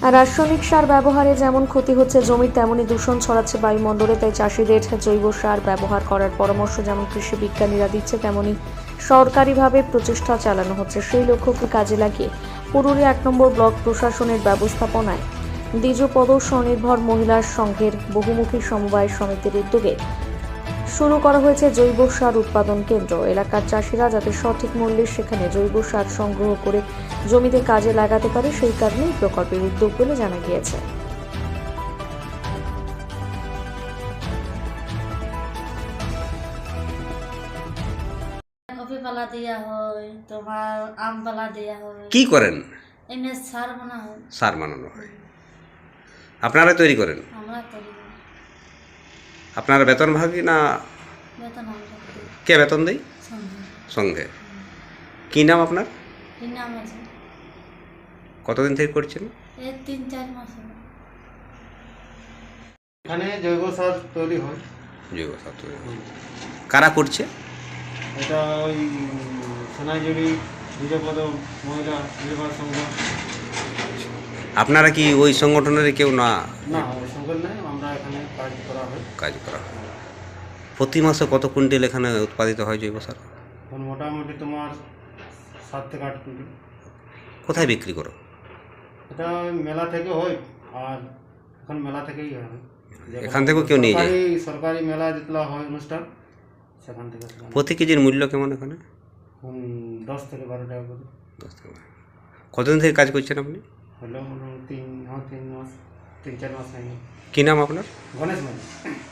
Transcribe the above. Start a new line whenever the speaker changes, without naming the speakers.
আর রাসায়নিক সার ব্যবহারে যেমন ক্ষতি হচ্ছে জমির, তেমনই দূষণ ছড়াচ্ছে বায়ুমণ্ডলে। তাই চাষিদের জৈব সার ব্যবহার করার পরামর্শ যেমন কৃষি বিজ্ঞানীরা দিচ্ছে, তেমনি সরকারিভাবে প্রচেষ্টা চালানো হচ্ছে। সেই লক্ষ্যকে কাজে লাগিয়ে পুরুলিয়া 1 নম্বর ব্লক প্রশাসনের ব্যবস্থাপনায় দ্বিজপদ স্বনির্ভর মহিলা সংঘের বহুমুখী সমবায় সমিতির উদ্যোগে শুরু করা হয়েছে জৈব সার উৎপাদন কেন্দ্র। এলাকার চাষিরা যাতে সঠিক মূল্যে সেখানে জৈব সার সংগ্রহ করে জমিতে কাজে লাগাতে পারে, সেই কারণে এই প্রকল্পের উদ্যোগ বলে জানা গিয়েছে।
কফি পালা দেওয়া হয়, তোমার আম পালা দেওয়া হয়।
কি করেন?
এমনি সার বানা হয়,
সার বানানো হয়, আপনারা তৈরি করেন?
আমরা তৈরি করি।
আপনারা বেতন ভাগী না
বেতন আমরা দিই,
কে বেতন দেয়?
সঙ্গে
সঙ্গে। কি নাম আপনার?
এই নাম আছে।
কতদিন থেকে করছেন?
এই 3-4 মাস হলো।
এখানে জৈব সার তৈরি হয়।
জৈব সার তৈরি হয়। কারা করছে?
এটা ওই সোনাইজুড়ি দ্বিজপদ মহিলা নির্বাচন সংঘ।
আপনারা কি ওই সংগঠনের কেউ না?
না, ওই সংঘের নয়, আমরা এখানে কাজ করা হয়।
কাজ করা হয়। প্রতি মাসে কত কুইন্টাল এখানে উৎপাদিত হয় জৈব সার?
এখন মোটামুটি তোমার 7 থেকে 8 কুইন্টাল।
কোথায় বিক্রি করো?
এটা ওই মেলা থেকে হয়, আর এখন মেলা থেকেই হয়।
এখান থেকেও কেউ নিয়ে যায়?
সরকারি মেলা যেগুলো হয় অনুষ্ঠান, সেখান থেকে
প্রতি কেজির মূল্য কেমন এখানে?
10 থেকে 12 টাকা করে।
10 টাকা। কতদিন থেকে কাজ করছেন আপনি?
হলো 3 মাস 3-4 মাস হয়ে গেল।
কী নাম আপনার?
গণেশ মানে